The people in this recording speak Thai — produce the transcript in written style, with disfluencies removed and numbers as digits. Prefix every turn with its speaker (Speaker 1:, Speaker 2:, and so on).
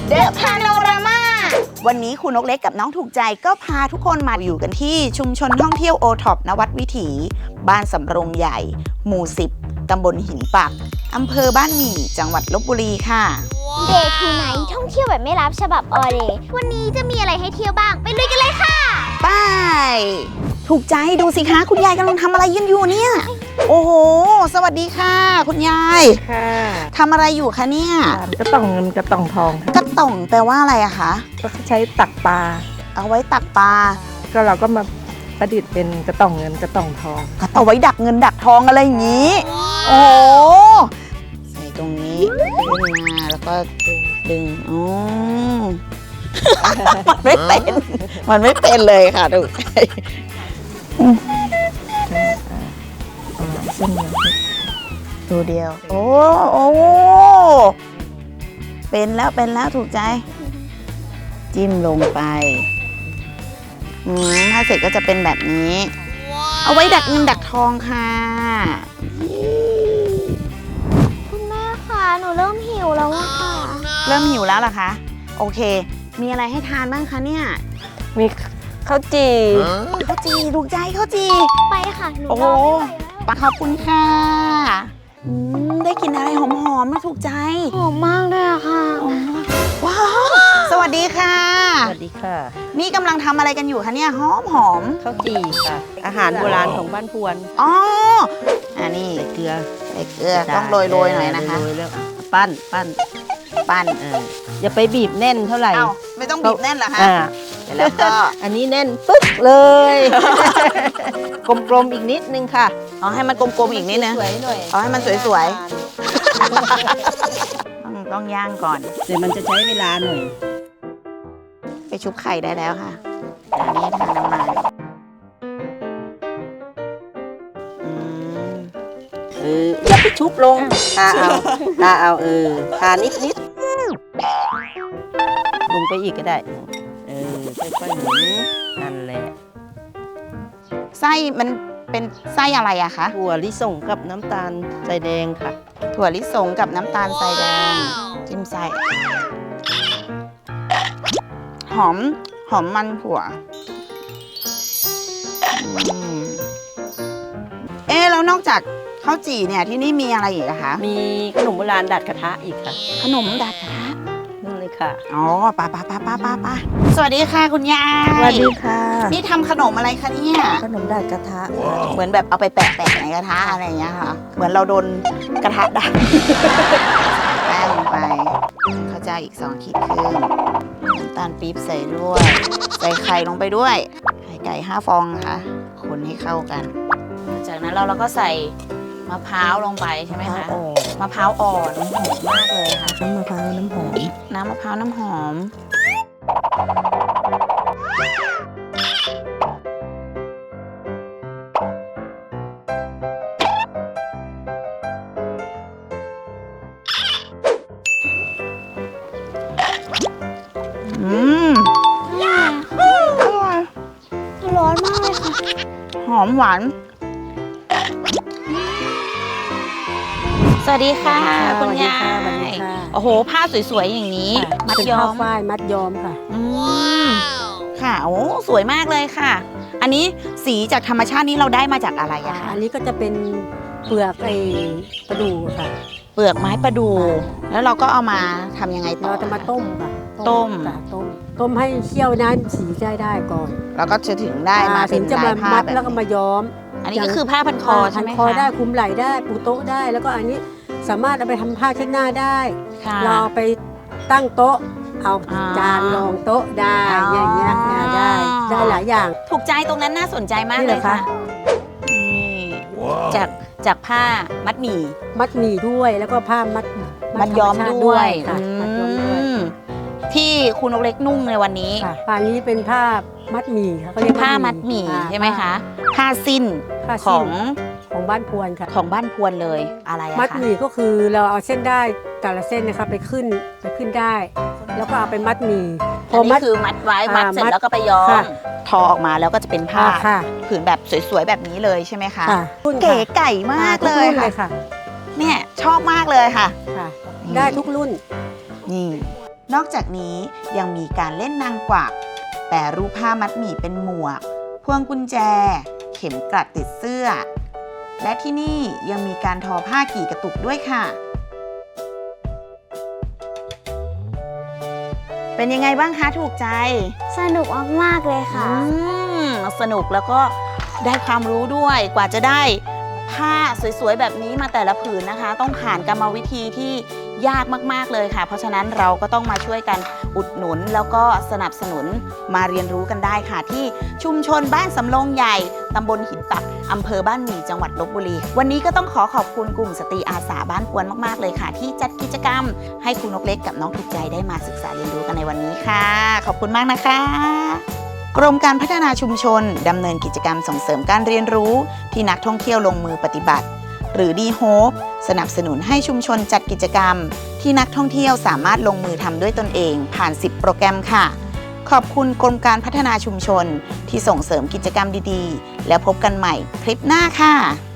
Speaker 1: เดอะพาโนรามาวันนี้คุณนกเล็กกับน้องถูกใจก็พาทุกคนมาอยู่กันที่ชุมชนท่องเที่ยวโอท็อปนวัดวิถีบ้านสำโรงใหญ่หมู่ 10 ตำบลหินปักอำเภอบ้านหมี่จังหวัดลพบุรีค่ะ
Speaker 2: เดย์ทูไนท์ท่องเที่ยวแบบไม่รับฉบับออเดย์วันนี้จะมีอะไรให้เที่ยวบ้างไปลุยกันเลยค่ะ
Speaker 1: ไปถูกใจดูสิคะคุณยายกำลังทำอะไรยืนอยู่เนี่ยโอ้โหสวัสดีค่ะคุณยาย
Speaker 3: ค่ะ
Speaker 1: ทำอะไรอยู่คะเนี่ย
Speaker 3: กระต่องเงินกระต่องทอง
Speaker 1: กระต่องแปลว่าอะไรอะคะ
Speaker 3: ก็ใช้ตักปลา
Speaker 1: เอาไว้ตักปลา
Speaker 3: ก็เราก็มาประดิษฐ์เป็นกระต่องเงินกระต่องทอง
Speaker 1: เอาไว้ดักเงินดักทองอะไรอย่างนี้โอ้ใส่ตรงนี้ขึ้นมาแล้วก็ดึงอ๋อมันไม่เป็นเลยค่ะดู
Speaker 3: เส้นเดียว
Speaker 1: ดูเดียวโอ้เป็นแล้วถูกใจจิ้มลงไปถ้าเสร็จก็จะเป็นแบบนี้เอาไว้ดักเงินดักทองค่ะ
Speaker 2: คุณแม่ค่ะหนูเริ่มหิวแล้วอะค่ะ
Speaker 1: เริ่มหิวแล้วเหรอคะโอเคมีอะไรให้ทานบ้างคะเนี่ย
Speaker 3: มีข้าวจี่
Speaker 1: ถูกใจข้าวจี่
Speaker 2: ไปค่ะหนู
Speaker 1: รอไม่ไหวแล้วขอบคุณค่ะได้กินอะไรหอมๆนะถูกใจ
Speaker 2: หอมมากเลยอะค่ะ
Speaker 1: ว้าวสวัสดีค่ะ
Speaker 3: สวัสดีค่ะ
Speaker 1: นี่กำลังทำอะไรกันอยู่คะเนี่ยหอม
Speaker 3: ข้าวจี่ค่ะอาหารโบราณของบ้านพวน
Speaker 1: อ๋ออันนี้
Speaker 3: เกลือ
Speaker 1: ต้องโรยหน่อยนะคะ
Speaker 3: โรยแล้วปั้นอย่าไปบีบแน่นเท่าไหร่
Speaker 1: ไม่ต้องบีบแน่นเหรอคะแล้วก็
Speaker 3: อันนี้แน่นปึ๊กเลยกลมๆอีกนิดนึงค่ะ
Speaker 1: เอาให้มันกลมๆอีกนิดนึงเอาให้มันสวยๆต้องย่างก่อน
Speaker 3: เดี๋ยวมันจะใช้เวลาหน่อย
Speaker 1: ไปชุบไข่ได้แล้วค่ะอันนี้ทาน้ำมัน
Speaker 3: อย่าไปชุบลงทาเอาทานิดลงไปอีกก็ได้ค่อยๆหมุนนั่นแหละ
Speaker 1: ไส้มันเป็นไส้อะไรอะคะ
Speaker 3: ถั่วลิสงกับน้ำตาลทรายแดงค่ะ
Speaker 1: ถั่วลิสงกับน้ำตาลทรายแดงจิ้มไส้หอมมันถั่วแล้วนอกจากข้าวจี่เนี่ยที่นี่มีอะไรอีกอะคะ
Speaker 3: มีขนมโบราณดัดกระทะอีกค่ะ
Speaker 1: ขนมดัดกระทะ
Speaker 3: นั่นเลยค่ะ
Speaker 1: อ๋อป้าสวัสดีค่ะคุณยาย
Speaker 3: สวัสดีค่ะ
Speaker 1: นี่ทำขนมอะไรคะเนี่ย
Speaker 3: ขนมดัดกระทะ
Speaker 1: เหมือนแบบเอาไปแปะในกระทะอะไรอย่างเงี้ยค่ะเหมือนเราโดนกระทะดัดแป้งลงไปข้าวเจ้าอีก2 ขีดครึ่งน้ำตาลปี๊บใส่ด้วยใส่ไข่ลงไปด้วยไข่ไก่5 ฟองค่ะคนให้เข้ากันจากนั้นเราก็ใส่มะพร้าวลงไปใช่ไหมคะมะพร้าวอ่อนหอมมากเลยค่ะ
Speaker 3: น้ำมะพร้าวน้ำหอม
Speaker 1: น้ำมะพร้าวน้ำหอม
Speaker 2: ร้อนมากเลยค่ะ
Speaker 1: หอมหวานสวัสดีค่ะคุณยายโอ้โหผ้าสวยๆอย่างนี้
Speaker 3: มัดย้อมฝ้ายมัดย้อมค่ะ
Speaker 1: ค่ะโอ้สวยมากเลยค่ะอันนี้สีจากธรรมชาตินี้เราได้มาจากอะไรอะคะ
Speaker 3: อันนี้ก็จะเป็นเปลือกประดู่ค่ะ
Speaker 1: เปลือกไม้ประดู่แล้วเราก็เอามาทำยังไงต่อ
Speaker 3: เราจะมาต้มค่ะ
Speaker 1: ต้ม
Speaker 3: ให้เคี่ยวน้ำสีได้ก่อน
Speaker 1: แล้วก็จะถึงได้มาเป็นลายผ้าแบบ
Speaker 3: แล้วก็มาย้อม
Speaker 1: อันนี้ก็คือผ้าพันคอใช่ไหมคะ
Speaker 3: พันคอได้คลุมไหล่ได้ปูโต๊ะได้แล้วก็อันนี้สามารถเอาไปทำผ้าเช็ดหน้าได้เราไปตั้งโต๊ะเอาจานรองโต๊ะได้อย่างเงี้ยได้หลายอย่าง
Speaker 1: ถูกใจตรงนั้นน่าสนใจมากเลยค่ะจากผ้ามัดหมี่
Speaker 3: ด้วยแล้วก็ผ้า
Speaker 1: มัดย้อมด้วยที่คุณนกเล็กนุ่งในวันนี้
Speaker 3: ผ้านี้เป็นผ้ามัดหมี่ค่ะเขาเรียก
Speaker 1: ผ้ามัดหมี่ใช่ไหมคะผ้าสิ้น
Speaker 3: ของบ้านพวนค่ะ
Speaker 1: ของบ้านพวนเลยอะไรอะคะ
Speaker 3: มัดหมี่ก็คือเราเอาเส้นได้แต่ละเส้นนะคะไปขึ้นได้แล้วก็เอาไปมัดหมี่
Speaker 1: พอมัดคือมัดไว้มัดเสร็จแล้วก็ไปย้อมทอออกมาแล้วก็จะเป็นผ้าผืนแบบสวยๆแบบนี้เลยใช่ไหมคะเก๋ไก่มากเลยค่ะเนี่ยชอบมากเลยค่ะ
Speaker 3: ได้ทุกรุ่น
Speaker 1: นี่นอกจากนี้ยังมีการเล่นนางกวักแปรรูปผ้ามัดหมี่เป็นหมวกพวงกุญแจ เข็มกลัดติดเสื้อ และที่นี่ยังมีการทอผ้ากี่กระตุกด้วยค่ะ เป็นยังไงบ้างคะถูกใจ
Speaker 2: สนุกมากๆเลยค่ะ
Speaker 1: สนุกแล้วก็ได้ความรู้ด้วยกว่าจะได้ผ้าสวยๆแบบนี้มาแต่ละผืนนะคะ ต้องผ่านกรรมวิธีที่ยากมากๆเลยค่ะ เพราะฉะนั้นเราก็ต้องมาช่วยกันอุดหนุนแล้วก็สนับสนุนมาเรียนรู้กันได้ค่ะ ที่ชุมชนบ้านสำโรงใหญ่ตำบลหินปักอำเภอบ้านหมี่จังหวัดลพบุรีวันนี้ก็ต้องขอบคุณกลุ่มสตรีอาสาบ้านกวนมากๆเลยค่ะ ที่จัดกิจกรรมให้คุณนกเล็กกับน้องถูกใจได้มาศึกษาเรียนรู้กันในวันนี้ค่ะ ขอบคุณมากนะคะกรมการพัฒนาชุมชนดำเนินกิจกรรมส่งเสริมการเรียนรู้ที่นักท่องเที่ยวลงมือปฏิบัติหรือ D-Hope สนับสนุนให้ชุมชนจัดกิจกรรมที่นักท่องเที่ยวสามารถลงมือทำด้วยตนเองผ่าน10โปรแกรมค่ะขอบคุณกรมการพัฒนาชุมชนที่ส่งเสริมกิจกรรมดีๆแล้วพบกันใหม่คลิปหน้าค่ะ